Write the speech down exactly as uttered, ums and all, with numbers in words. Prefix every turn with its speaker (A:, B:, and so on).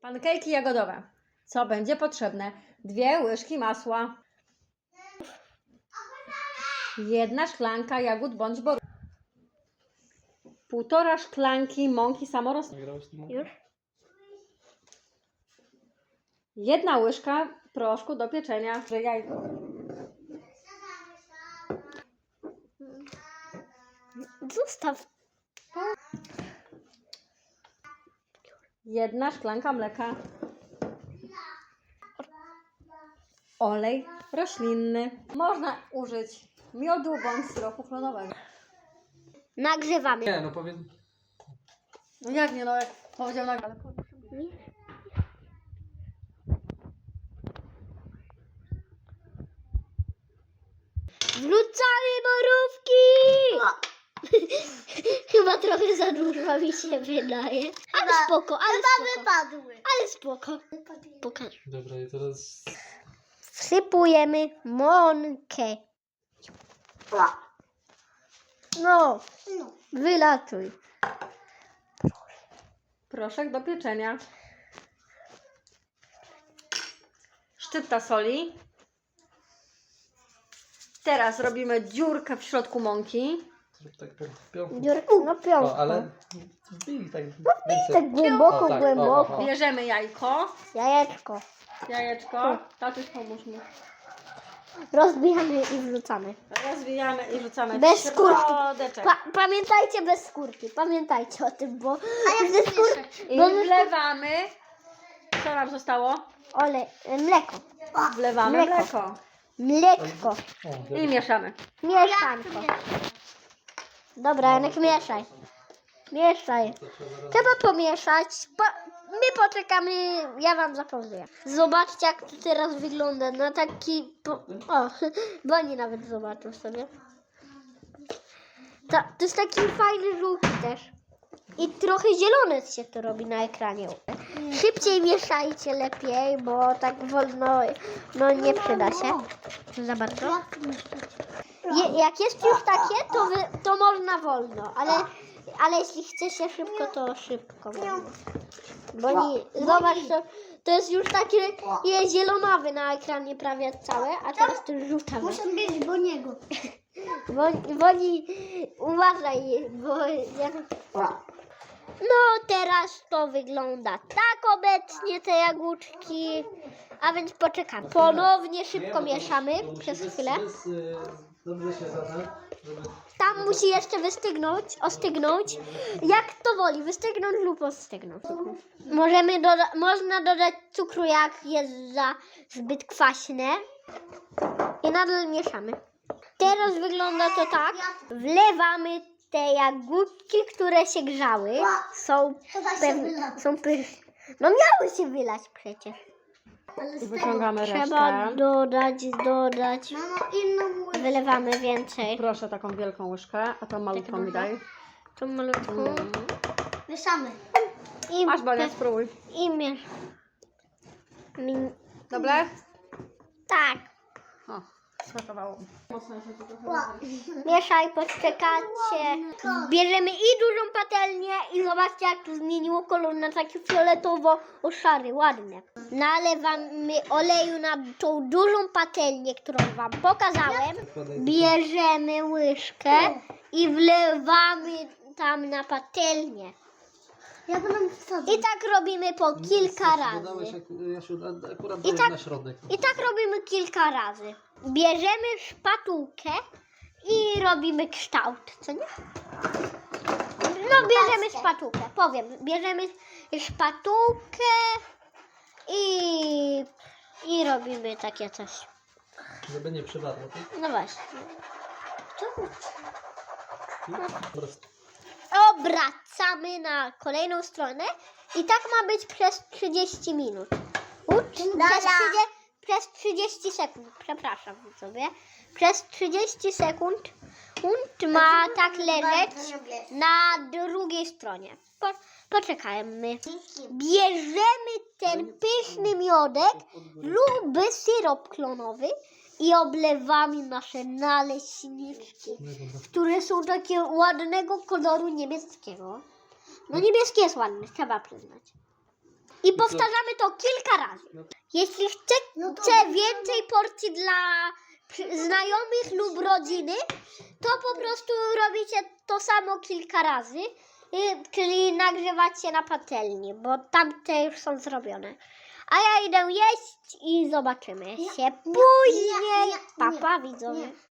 A: Pankejki jagodowe. Co będzie potrzebne? Dwie łyżki masła. Jedna szklanka jagód bądź borówek. Półtora szklanki mąki samorosnnej.
B: Już?
A: Jedna łyżka proszku do pieczenia. Jajko.
B: Zostaw.
A: Jedna szklanka mleka. Olej roślinny. Można użyć miodu bądź syropu klonowego.
B: Nagrzewamy.
C: Nie, no powiedz.
A: No jak nie, no jak powiedział na... ale
B: Wrzucamy borówki! Chyba trochę za dużo mi się wydaje. Ale spoko, ale spoko. Wypadły. Ale spoko. Pokaż.
C: Dobra, i teraz.
B: Wsypujemy mąkę. No, wylatuj.
A: proszek do pieczenia. Szczypta soli. Teraz robimy dziurkę w środku mąki.
C: Zrób tak po pionku.
B: Dziurku, no piątko.
C: O, ale. Wbij tak.
B: Tak głęboko,
C: O, tak, o,
B: głęboko.
C: o, o.
A: Bierzemy jajko.
B: Jajeczko.
A: Jajeczko. Tatuś, pomóż mi.
B: Rozbijamy i wrzucamy.
A: Rozwijamy i rzucamy
B: Bez
A: w
B: skórki.
A: środeczek.
B: Pa pamiętajcie bez skórki. Pamiętajcie o tym, bo ze skórki.
A: I
B: Bo ze skórki.
A: wlewamy. Co nam zostało?
B: Olej, mleko.
A: Wlewamy
B: Mleko.
A: mleko.
B: Mleczko.
C: O,
A: I mieszamy.
B: Mieszanko. Dobra, Janek, mieszaj. Mieszaj. Trzeba pomieszać. Po, my poczekamy, ja wam zapowiem. Zobaczcie, jak to teraz wygląda. Na taki... Po, o, bo oni nawet zobaczą sobie. To, to jest taki fajny żółty też. I trochę zielone się to robi na ekranie. Szybciej mieszajcie lepiej, bo tak wolno no nie przyda się za bardzo. Je, jak jest już takie, to, wy, to można wolno, ale, ale jeśli chce się szybko, to szybko. Wolno. Bo nie, zobacz, to, to jest już takie jest zielonawy na ekranie prawie całe, a teraz to żółtawe.
D: Muszę mieć Boniego.
B: Bo, bo nie, uważaj, bo ja... No teraz to wygląda tak obecnie te jagódki, a więc poczekamy. Ponownie szybko mieszamy przez chwilę.
C: Dobrze się zada, żeby.
B: Tam musi jeszcze wystygnąć, ostygnąć. Jak to woli, wystygnąć lub ostygnąć. Możemy doda można dodać cukru, jak jest za zbyt kwaśne. I nadal mieszamy. Teraz wygląda to tak. Wlewamy te jagódki, które się grzały. Są pewne, są pyszne. No miały się wylać przecież.
A: I wyciągamy
B: Trzeba
A: resztę.
B: dodać, dodać.
D: Mamo, inną łyżkę.
B: Wylewamy więcej.
A: Proszę taką wielką łyżkę, a tą malutką mi daj.
B: Tą malutką.
D: Mieszamy.
B: I,
A: Masz, Bonia, spróbuj.
B: i miesz. Mi-
A: Dobre?
B: Tak.
A: O, smakowało. Mocno się to trochę
D: Ła.
B: Mieszaj, poczekacie. Bierzemy i dużą patelnię i zobaczcie, jak to zmieniło kolor na taki fioletowo-szary, ładnie. Nalewamy oleju na tą dużą patelnię, którą wam pokazałem. Bierzemy łyżkę i wlewamy tam na patelnię.
D: Ja będę wsadzał.
B: I tak robimy po kilka
C: Dodałeś,
B: razy.
C: ak- Jasiu, a- akurat
B: I
C: dałeś
B: tak-
C: na środek.
B: I tak robimy kilka razy. Bierzemy szpatułkę i robimy kształt, co nie? No bierzemy szpatułkę, powiem. Bierzemy szpatułkę i, i robimy takie coś.
C: Żeby nie przypadło, tak?
B: No właśnie.
C: Dobra.
B: Obracamy na kolejną stronę i tak ma być przez trzydzieści minut. Ucz, przez, trzydzieści, przez trzydzieści sekund, przepraszam sobie. Przez trzydzieści sekund unt ma tak leżeć na drugiej stronie. Po, poczekajmy. Bierzemy ten pyszny miodek lub syrop klonowy i oblewamy nasze naleśniczki, które są takie ładnego koloru niebieskiego. No niebieski jest ładny, trzeba przyznać. I powtarzamy to kilka razy.
C: No.
B: Jeśli chcecie
D: No to-
B: więcej porcji dla przy- znajomych lub rodziny, to po prostu robicie to samo kilka razy, y, czyli nagrzewacie na patelni, bo tamte już są zrobione. A ja idę jeść i zobaczymy się później.
D: nie,
B: Pa,
D: nie,
B: pa, widzowie.
D: nie.